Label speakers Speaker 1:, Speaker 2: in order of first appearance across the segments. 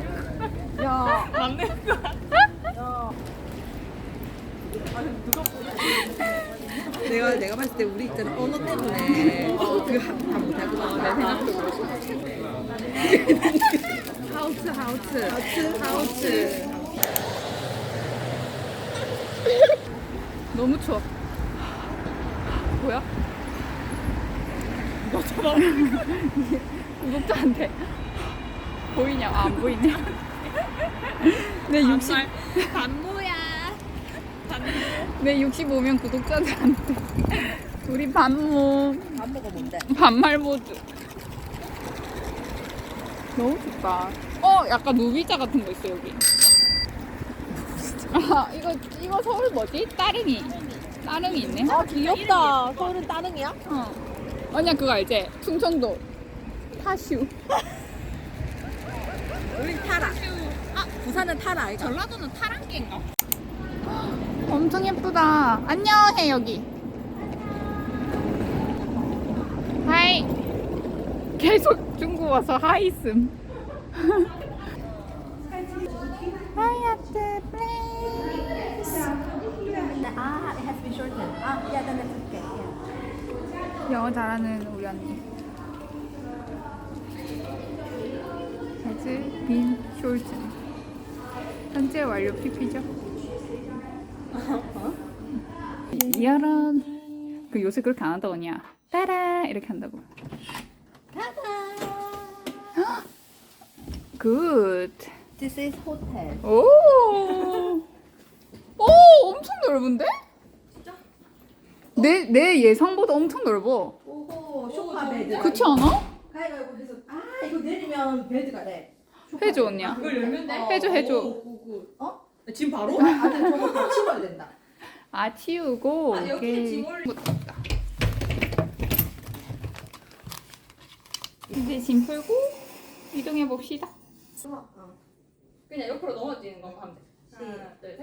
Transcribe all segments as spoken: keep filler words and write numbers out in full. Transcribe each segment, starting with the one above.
Speaker 1: 야,
Speaker 2: 맞는 거야.
Speaker 1: 야.
Speaker 2: 아니 누가
Speaker 1: 내가 내가 봤을 때 우리 있잖아 언어 때문에 그다 못할 것 같아. 내 생각도 하우츠 하우츠 하우츠 하우츠.
Speaker 2: 너무 추워. 뭐야? 너처럼 구독자한테 보이냐? 아, 안 보이냐? 내 육십
Speaker 3: 반모야.
Speaker 2: 내 육십오면 구독자들한테 우리 반모
Speaker 1: 밥 먹어 뭔데?
Speaker 2: 반말 모드. 너무 좋다. 어, 약간 누비자 같은 거 있어 여기. 아, 이거 이거 서울 뭐지? 따릉이. 따릉이 있네.
Speaker 1: 아 귀엽다. 서울은 따릉이야?
Speaker 2: 어. 아니야 그거 알지? 충청도 타슈.
Speaker 1: 우린 타라. 아 부산은 타라. 아이가.
Speaker 3: 전라도는 타랑개인가?
Speaker 2: 엄청 예쁘다. 안녕해 여기. 하이. 계속 중국 와서 하이슴. 하이아트 플레이스.
Speaker 1: 아, it has been shortened. 아, yeah, then it's okay. Yeah.
Speaker 2: 영어 잘하는 우리 언니. has been shortened. 현재 완료 피피죠. 이런 그 요새 그렇게 안 한다고 언니야. 따라 이렇게 한다고. 굿.
Speaker 1: This is hotel.
Speaker 2: 오. 오, 엄청 넓은데? 내, 내 예상보다 엄청 넓어.
Speaker 1: 오호, 소파 베드.
Speaker 2: 그렇지 않아?
Speaker 1: 가위바위보 해서 아 이거 내리면 베드가 돼.
Speaker 2: 해줘 언니야.
Speaker 3: 그걸 열면 돼?
Speaker 2: 해줘 해줘.
Speaker 1: 어?
Speaker 3: 지금 바로?
Speaker 1: 아니 저거 다 치워야 된다.
Speaker 2: 아 치우고.
Speaker 3: 아, 여기
Speaker 2: 오케이.
Speaker 3: 짐 올리-
Speaker 2: 이제 짐 풀고 이동해 봅시다.
Speaker 3: 그냥 옆으로 넘어지는 것만 하면 돼. 하나, 둘,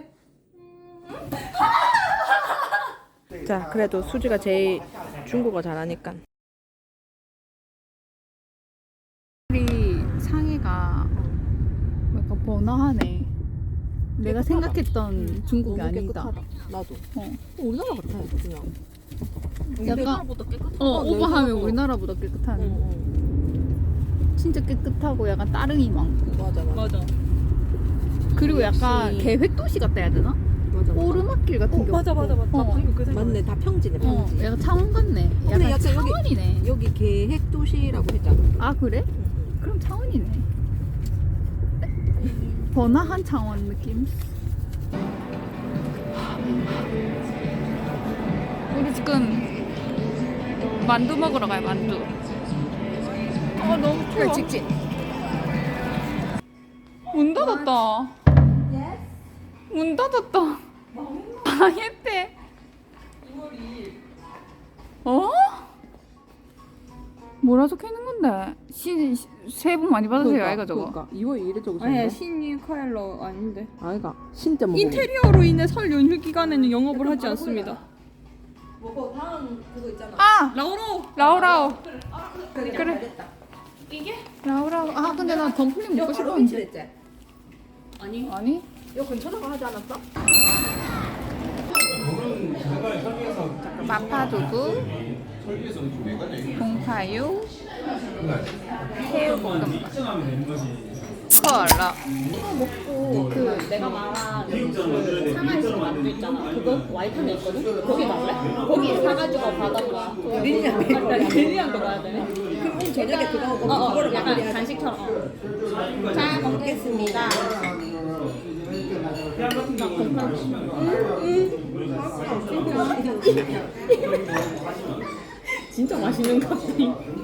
Speaker 3: 셋.
Speaker 1: 자, 그래도 수지가 제일 중국어 잘하니까.
Speaker 2: 우리 상해가 약간 번화하네. 내가 생각했던 중국이
Speaker 1: 너무
Speaker 2: 아니다.
Speaker 1: 깨끗하다. 나도.
Speaker 2: 어.
Speaker 1: 우리나라 같아, 그냥.
Speaker 2: 약간
Speaker 3: 깨끗.
Speaker 2: 어,
Speaker 1: 어,
Speaker 2: 오버하면
Speaker 1: 내가
Speaker 2: 우리나라보다 깨끗한.
Speaker 1: 응,
Speaker 2: 진짜 깨끗하고 약간 따릉이 많고.
Speaker 1: 응. 맞아, 맞아.
Speaker 3: 맞아.
Speaker 2: 그리고 약간
Speaker 1: 역시-
Speaker 2: 계획 도시 같다 해야 되나?
Speaker 1: 맞아, 맞아.
Speaker 2: 오르막길 같은
Speaker 3: 어,
Speaker 2: 게
Speaker 3: 맞아,
Speaker 2: 없고.
Speaker 3: 맞아, 맞아.
Speaker 2: 어.
Speaker 3: 방금 그 생각.
Speaker 1: 맞네, 다 평지네,
Speaker 2: 어,
Speaker 1: 평지.
Speaker 2: 약간 창원 같네.
Speaker 1: 근데
Speaker 2: 약간
Speaker 1: 약간 여기-
Speaker 2: 창원이네.
Speaker 1: 여기 계획 도시라고 했잖아.
Speaker 2: 아 그래? 그럼 창원이네. 번화한 창원 느낌. 우리 지금 만두 먹으러 가요 만두. 어 너무 추워.
Speaker 1: 직진.
Speaker 2: 문 닫았다. 문 닫았다. 망했대. 어? 뭐라 적혀 있는 건데? 신 새해 복 많이 받으세요, 아이가 저거.
Speaker 1: 그러니까 이월 이 일에 적으신
Speaker 3: 아니야
Speaker 1: 거야?
Speaker 3: 신이 카일러 아닌데.
Speaker 1: 아이가 진짜 뭐
Speaker 3: 인테리어로 인해 설 연휴 기간에는 영업을 하지 않습니다.
Speaker 1: 뭐고 다음 그거 있잖아.
Speaker 2: 아,
Speaker 3: 라오로.
Speaker 2: 라오라오.
Speaker 1: 그래.
Speaker 2: 그래.
Speaker 1: 됐다.
Speaker 3: 이게?
Speaker 2: 라오라오. 아, 근데 나 덤플링 먹고
Speaker 1: 바로
Speaker 2: 싶었는데.
Speaker 1: 위치랬지?
Speaker 3: 아니.
Speaker 2: 아니?
Speaker 1: 이거 근처라고 하지 않았어?
Speaker 2: 마파두부, 봉파유, 새우볶음밥, 콜라.
Speaker 3: 이거 먹고 그 내가 말한 그 상하이식 만두 있잖아. 그거 와이탄에 있거든. 거기 갈래? 거기 사가지고 받아봐.
Speaker 1: 릴리안
Speaker 3: 릴리안도 가야 되네.
Speaker 1: 그럼 오늘 저녁에 그거 하고
Speaker 3: 어, 어,
Speaker 1: 그거를
Speaker 3: 약간
Speaker 1: 마무리하자.
Speaker 3: 간식처럼. 어. 자 먹겠습니다. 진짜 맛있는 것 같아.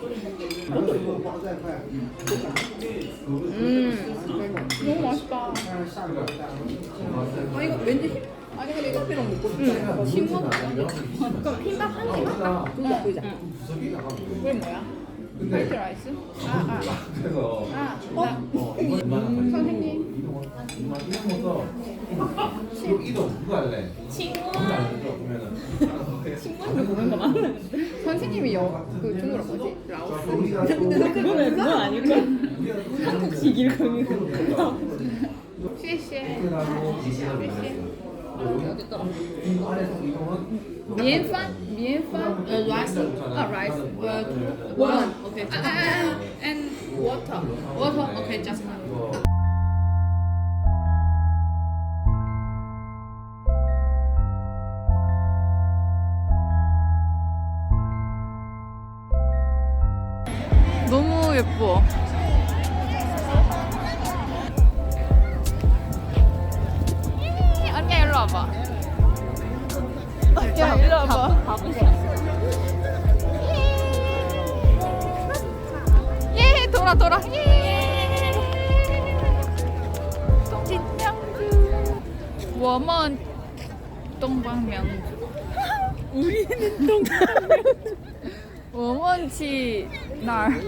Speaker 2: 음, 너무 맛있다.
Speaker 1: 아 이거 왠지 흰- 아니 근데 이거 피랑 먹고 싶다.
Speaker 2: 싱거워.
Speaker 3: 그럼 흰밥 한 개만?
Speaker 1: 그거 보이자.
Speaker 2: 그게 뭐야? 화이트 라이스? 아, 아. 아, 나, 선생님.
Speaker 4: 이동 누가 할래?
Speaker 3: 친구
Speaker 4: 누가 안 해줘? 그러면은
Speaker 3: 친구한테 보는 거 맞는데.
Speaker 2: 선생님이 여, 그 중국어 뭐지? 라오스?
Speaker 3: 근데 그거는 그건 아닐까? 한국식 일금이고.
Speaker 2: 시시에
Speaker 3: 어디 있더라?
Speaker 4: 안에서 이동은
Speaker 2: 米饭米饭
Speaker 3: Uh, rice.
Speaker 2: 아 rice
Speaker 3: Uh, one. Okay.
Speaker 2: 아, 아, 아, and water water okay just one
Speaker 4: 이거
Speaker 2: 너무 예뻐. 언니야 일로 와봐. 야 일로 와봐.
Speaker 3: 밥은 싫었어.
Speaker 2: 예 돌아 돌아. 예. 진명주. 我们 东方明珠.
Speaker 3: 우리는 동강.
Speaker 2: 我们去哪儿?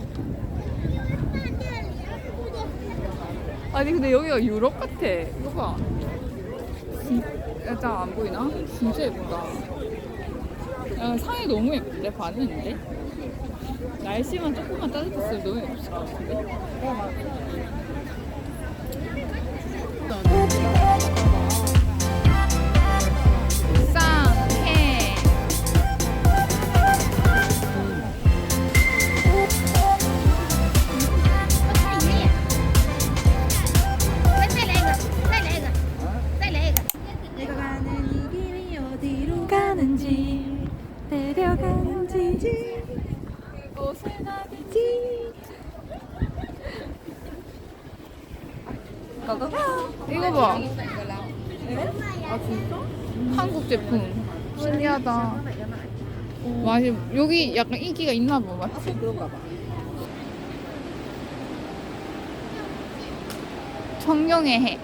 Speaker 2: 아니 근데 여기가 유럽 같아. 이거 봐. 진- 약간 안 보이나? 진짜 예쁘다. 야, 상이 너무 예쁜데? 반했는데? 날씨만 조금만 따뜻했으면 너무 예뻤을 것 같은데? 쌍해.
Speaker 1: 내가 가는 이 길이 어디로
Speaker 2: 가는지 데려가는지 그곳을 가는지 이거 봐. 아 진짜? 한국 제품 신기하다. 맞아 여기 약간 인기가 있나 봐 맞지?
Speaker 1: 그런가 봐.
Speaker 2: 청룡의 해.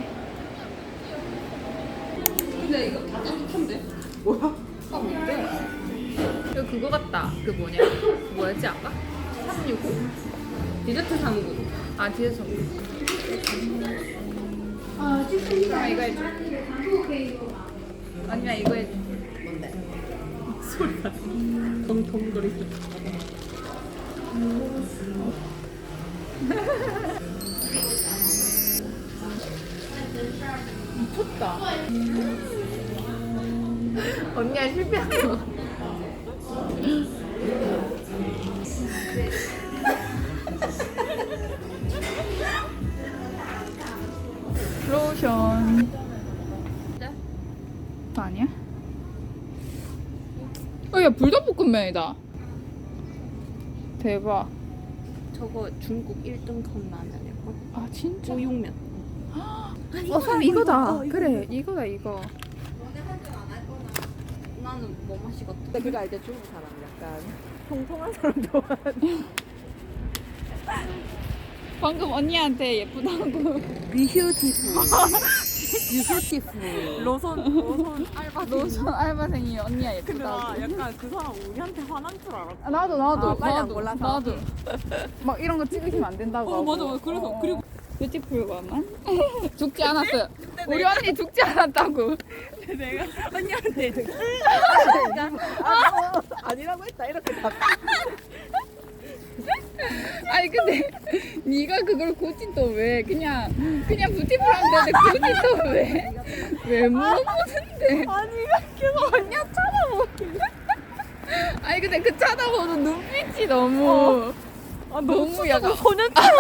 Speaker 1: 근데 이거 다 따뜻한데? 뭐야? 아 뭔데?
Speaker 2: 이거 그거 같다. 그 뭐냐? 뭐였지 아까? 삼육오?
Speaker 1: 디저트 삼구.
Speaker 2: 아 뒤에서. 아 아, 이거 해줘. 아니야 이거 해줘.
Speaker 1: 소리가 덩덩거리고.
Speaker 2: 미쳤다.
Speaker 1: 언니가 실패한 거.
Speaker 2: 로션. 그거 아니야? 어, 야 불닭볶음면이다. 대박.
Speaker 3: 저거 중국 일 등 컵라면일걸?
Speaker 2: 아 진짜?
Speaker 3: 우육면.
Speaker 2: 어, 참 이거다. 그래, 이거다 이거.
Speaker 3: 나는 뭐 마시겠다.
Speaker 1: 근데 그거 알죠? 중국 사람 약간 통통한 사람 좋아하는.
Speaker 2: 방금 언니한테 예쁘다고.
Speaker 1: 뷰티풀. 뷰티풀.
Speaker 3: 로선 로선 알바.
Speaker 2: 로션 알바생이 언니야
Speaker 3: 근데 나
Speaker 2: 예쁘다고.
Speaker 3: 약간 그 사람 우리한테 화난 줄 알았어.
Speaker 2: 아, 나도 나도
Speaker 1: 아, 빨리 안
Speaker 2: 나도
Speaker 1: 골라서.
Speaker 2: 나도. 막 이런 거 찍으시면 안 된다고.
Speaker 3: 어,
Speaker 2: 하고.
Speaker 3: 맞아, 맞아. 그래서,
Speaker 2: 어, 어.
Speaker 3: 그리고-
Speaker 2: 뷰티풀과만 죽지 않았어요. 우리 언니 죽지 않았다고.
Speaker 3: 내가 언니한테
Speaker 1: 아, 어, 아니라고 했다 이렇게 답.
Speaker 2: 아니 근데 네가 그걸 굳이 또 왜 그냥 그냥 뷰티풀 하면 되는데 굳이 또 왜? 왜 물어보는데?
Speaker 3: 아니 계속 언니 쳐다보길래.
Speaker 2: 아니 근데 그 쳐다보는 눈빛이 너무
Speaker 3: 아
Speaker 2: 너무 약간
Speaker 3: 소년처럼.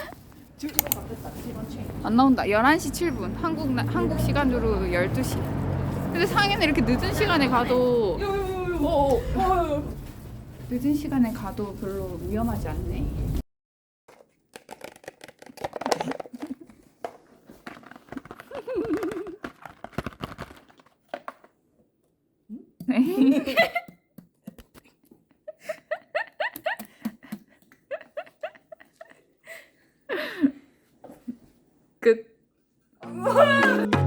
Speaker 2: 안 나온다. 열한 시 칠 분 한국 나, 한국 시간으로 열두 시. 근데 상해는 이렇게 늦은 시간에 가도
Speaker 3: 어, 어.
Speaker 2: 늦은 시간에 가도 별로 위험하지 않네. 끝.